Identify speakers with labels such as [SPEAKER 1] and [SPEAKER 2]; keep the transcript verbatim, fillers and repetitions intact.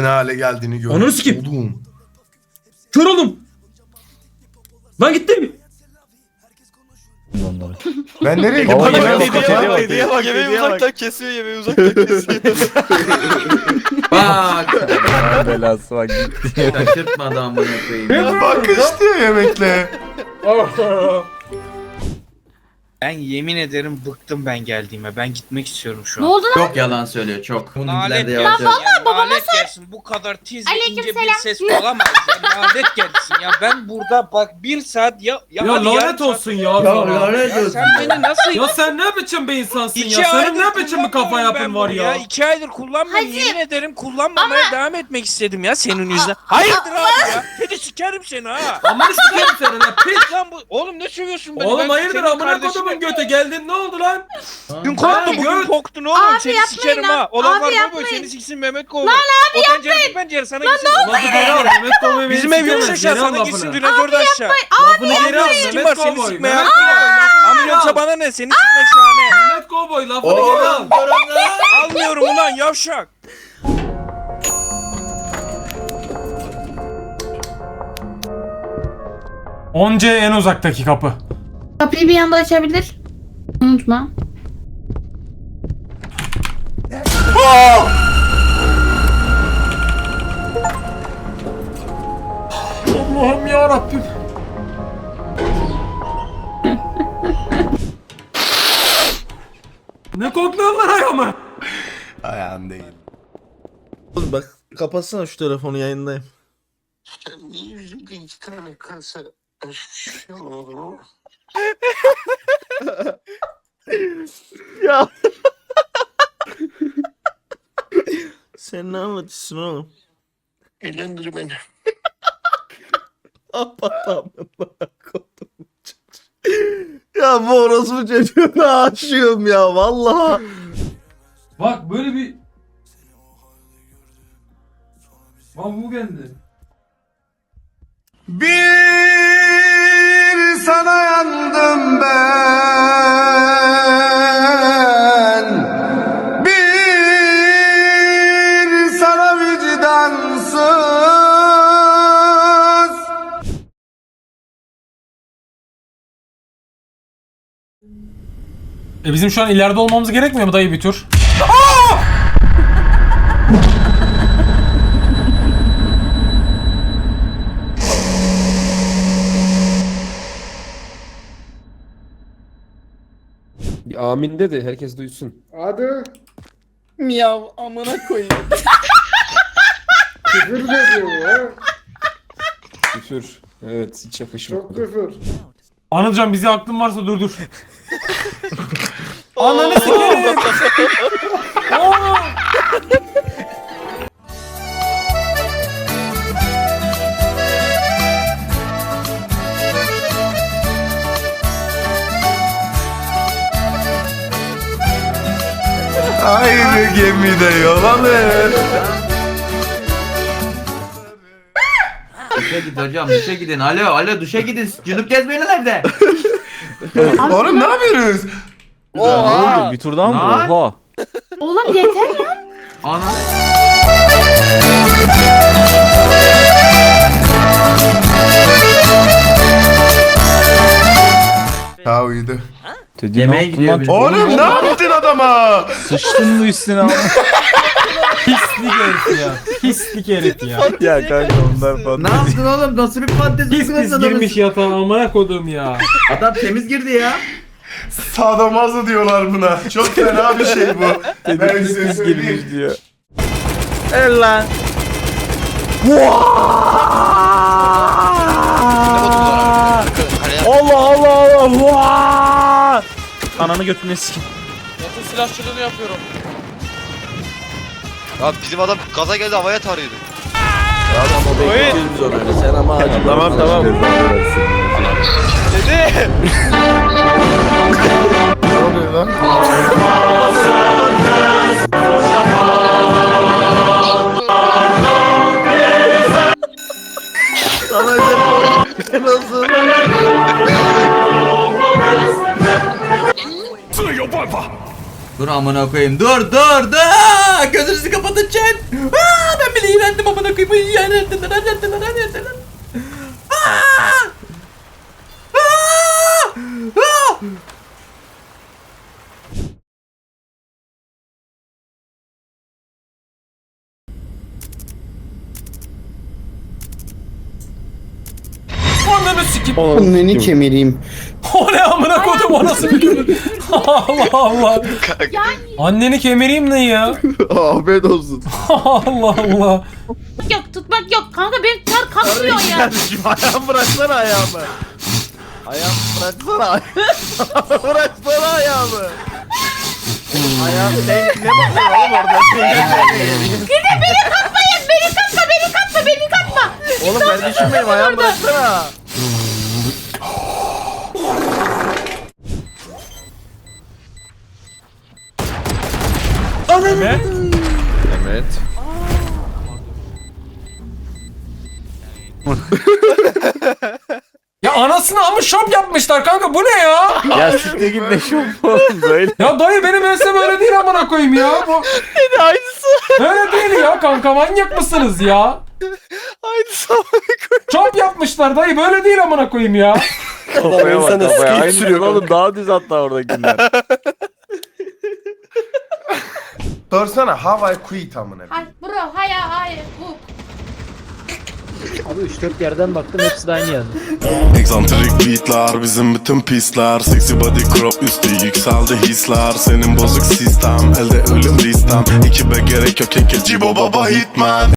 [SPEAKER 1] ne hale geldiğini gördüm.
[SPEAKER 2] Ananı sikeyim.
[SPEAKER 1] Oğlum.
[SPEAKER 2] Kör oldum. Lan gittim.
[SPEAKER 1] Ben nereye
[SPEAKER 3] Baba,
[SPEAKER 1] gittim?
[SPEAKER 3] yemeğe
[SPEAKER 1] Ben-
[SPEAKER 3] bak,
[SPEAKER 1] Ben-
[SPEAKER 3] bak,
[SPEAKER 4] Hediye bak,
[SPEAKER 3] yemeği
[SPEAKER 4] hediye
[SPEAKER 3] uzaktan
[SPEAKER 4] bak. Kesiyor, yemeği uzaktan kesiyor.
[SPEAKER 5] Bak.
[SPEAKER 3] Allah'ın belası bak gitti.
[SPEAKER 5] Şaşırtmadı amına koyayım.
[SPEAKER 1] Bak istiyor yemekle.
[SPEAKER 4] Ben yemin ederim bıktım ben geldiğime. Ben gitmek istiyorum şu
[SPEAKER 6] Ne
[SPEAKER 4] an.
[SPEAKER 6] oldu lan?
[SPEAKER 5] Çok yalan söylüyor çok. Bununkiler
[SPEAKER 4] Nalet
[SPEAKER 5] de
[SPEAKER 4] gelsin.
[SPEAKER 5] yavaş yavaş.
[SPEAKER 4] Ya, nalet gelsin. Bu kadar tiz ve ince bir
[SPEAKER 6] Aleykümselam.
[SPEAKER 4] ses olamaz. Ya, nalet gelsin ya. Ben burada bak bir saat ya... Ya,
[SPEAKER 2] Ya
[SPEAKER 4] hadi yarım
[SPEAKER 2] lanet
[SPEAKER 4] saat-
[SPEAKER 2] olsun ya. sana.
[SPEAKER 4] Ya sen beni nasıl...
[SPEAKER 2] Ya sen ne biçim bir insansın
[SPEAKER 4] İki
[SPEAKER 2] ya? Senin
[SPEAKER 4] aydır
[SPEAKER 2] ne biçim bir kafa
[SPEAKER 4] kullanmıyorum
[SPEAKER 2] yapın
[SPEAKER 4] ben
[SPEAKER 2] var
[SPEAKER 4] bunu
[SPEAKER 2] ya?
[SPEAKER 4] İki aydır kullanmıyorum.
[SPEAKER 6] Hacı.
[SPEAKER 4] Yemin ederim kullanmamaya devam etmek istedim ya senin yüzünden. Hayırdır abi ya? Kedi sikerim seni ha.
[SPEAKER 2] Amına sikerim seni lan piç.
[SPEAKER 4] Lan bu... Oğlum ne sövüyorsun beni?
[SPEAKER 2] Oğlum
[SPEAKER 4] Ben
[SPEAKER 2] hayırdır
[SPEAKER 4] senin
[SPEAKER 2] amına
[SPEAKER 4] kardeşinim.
[SPEAKER 2] kodumun göte geldin ne oldu lan?
[SPEAKER 4] Dün korktu bugün
[SPEAKER 2] göt.
[SPEAKER 4] korktun oğlum.
[SPEAKER 6] Abi
[SPEAKER 4] seni
[SPEAKER 6] yapmayın
[SPEAKER 4] sikerim
[SPEAKER 6] lan.
[SPEAKER 4] ha. Olan
[SPEAKER 6] Abi
[SPEAKER 4] var mı
[SPEAKER 6] yapmayın.
[SPEAKER 4] seni siksin Mehmet Kovboy. Lan abi o pencere bu pencere sana gitsin.
[SPEAKER 2] Lafı geri al Mehmet Kovboy beni
[SPEAKER 4] Bizim ev yok
[SPEAKER 2] sikemez,
[SPEAKER 4] aşağı
[SPEAKER 2] geri al
[SPEAKER 4] sana gitsin
[SPEAKER 2] lafını.
[SPEAKER 4] dünazörde aşağı.
[SPEAKER 2] Lafını geri al
[SPEAKER 4] Kim
[SPEAKER 2] Mehmet
[SPEAKER 4] var seni
[SPEAKER 2] Kovboy.
[SPEAKER 4] sikmeye
[SPEAKER 2] Mehmet
[SPEAKER 4] hakkı
[SPEAKER 2] Kovboy
[SPEAKER 4] var.
[SPEAKER 2] lafını geri
[SPEAKER 4] Amca
[SPEAKER 2] al.
[SPEAKER 4] bana ne seni sikmek şahane.
[SPEAKER 2] Mehmet Kovboy lafını geri al.
[SPEAKER 4] Almıyorum ulan yavşak.
[SPEAKER 2] on C en uzaktaki kapı.
[SPEAKER 6] Kapıyı bir anda açabilir. Unutma.
[SPEAKER 2] Allah'ım ya Rabbim. Ne kokluyorlar ayağımı?
[SPEAKER 1] Ayağın değil.
[SPEAKER 3] Oğlum bak kapatsana şu telefonu yayındayım.
[SPEAKER 7] İki tane kasa şey olur mu?
[SPEAKER 3] Ya. Sen ne anlatıyorsun oğlum?
[SPEAKER 7] Eğlendir beni.
[SPEAKER 3] Kapat amına kodum. Ya bu orospu çocuğuna aşığım ya vallahi.
[SPEAKER 2] Bak böyle bir... Bak bu geldi.
[SPEAKER 1] Bir sana yandım ben. Bir sana vicdansız.
[SPEAKER 2] E bizim şu an ileride olmamız gerekmiyor mu dayı bir tur?
[SPEAKER 8] Bir amin de de herkes duysun.
[SPEAKER 7] Hadi.
[SPEAKER 4] Miyav amına koyayım.
[SPEAKER 7] Küfür de diyor ya.
[SPEAKER 8] Küfür. Evet hiç yakışmadı.
[SPEAKER 7] Çok küfür.
[SPEAKER 2] Anılcan bize aklın varsa durdur. Ananı sikerim. Aa!
[SPEAKER 1] Aynı gemide yol alır.
[SPEAKER 5] Duşa gidin hocam duşa gidin. Alo alo duşa gidin. Cünüp gezmeyin nerede?
[SPEAKER 1] Oğlum ne yapıyorsunuz?
[SPEAKER 3] Ne oldu? Bir tur daha mı?
[SPEAKER 5] Lan.
[SPEAKER 3] Oha.
[SPEAKER 6] Oğlum yeter ya.
[SPEAKER 5] Ana.
[SPEAKER 1] Ha uyudu.
[SPEAKER 5] Yemeğe gidiyor bir.
[SPEAKER 1] Oğlum ne yaptın adama?
[SPEAKER 3] Sıçtın mı üstüne ama?
[SPEAKER 2] Pislik herif ya. Pislik herif ya.
[SPEAKER 3] Ya kanka onlar falan.
[SPEAKER 5] Ne yaptın oğlum? Nasıl bir fantezi
[SPEAKER 2] Pis pis girmiş yatağa amına kodum ya.
[SPEAKER 5] Adam temiz girdi ya.
[SPEAKER 1] Sadomazo diyorlar buna. Çok fena bir şey bu. Ben size
[SPEAKER 3] Biz
[SPEAKER 1] söyleyeyim.
[SPEAKER 3] girmiş diyor. El lan. Allah Allah Allah. Vaa! Ananı götüne sikin.
[SPEAKER 4] Yatın silahçılığını yapıyorum.
[SPEAKER 9] Ya bizim adam gaza geldi havaya tarıyordu.
[SPEAKER 3] Tamam o bekletiyoruz onu öyle. Sen ama acı. Tamam tamam.
[SPEAKER 4] Dede.
[SPEAKER 1] Ne oluyor lan?
[SPEAKER 3] Sana ne nasıl?
[SPEAKER 5] Dur amına koyayım. Dur dur dur. Gözünüzü kapatın chat. Aa, ben
[SPEAKER 2] iğrendim amına koyayım. Ay, iğrendim lan, iğrendim lan, iğrendim lan. Aa! Aa! Aa! Ananı sikeyim.
[SPEAKER 3] Anneni kemireyim.
[SPEAKER 2] O ne amına koydum, o nasıl bir küfür? Allah Allah. Anneni kemireyim ne ya?
[SPEAKER 3] Afiyet olsun.
[SPEAKER 2] Allah Allah.
[SPEAKER 6] Yok tutmak yok. Kanka benim ter kalkmıyor ya.
[SPEAKER 3] Kardeşim ayağımı bıraksana ayağımı. Ayağımı bıraksana ayağımı. Bıraksana ayağımı. Ayağım sen ne bakıyorsun oğlum orada?
[SPEAKER 6] Gidin beni katmayın. Beni katma beni katma beni katma.
[SPEAKER 3] Oğlum kardeşim benim ayağımı bıraksana.
[SPEAKER 2] Evet.
[SPEAKER 3] Evet.
[SPEAKER 2] Ya anasını ama şop yapmışlar kanka, bu ne ya?
[SPEAKER 3] Ya siktir git ne şu oğlum böyle.
[SPEAKER 2] Ya dayı benim ensem öyle değil amına koyayım ya. Bu...
[SPEAKER 3] Aynısı.
[SPEAKER 2] Öyle değil ya kanka, manyak mısınız ya?
[SPEAKER 3] Aynısı.
[SPEAKER 2] Şop yapmışlar dayı, böyle değil amına koyayım ya.
[SPEAKER 3] Kafaya bak kafaya. Aynı sürüyor oğlum, daha düz hatta oradakiler.
[SPEAKER 1] Sorsana how I quit amına.
[SPEAKER 6] Hayır bro hayır hayır bu.
[SPEAKER 2] Abi üç dört yerden baktım, hepsi de aynı yani.
[SPEAKER 10] Egzantrik beatler, bizim bütün pisler. Sexy body crop üstü yükseldi hisler. Senin bozuk sistem, elde ölüm listem. Ekibe gerek yok, eke cibo baba hitman.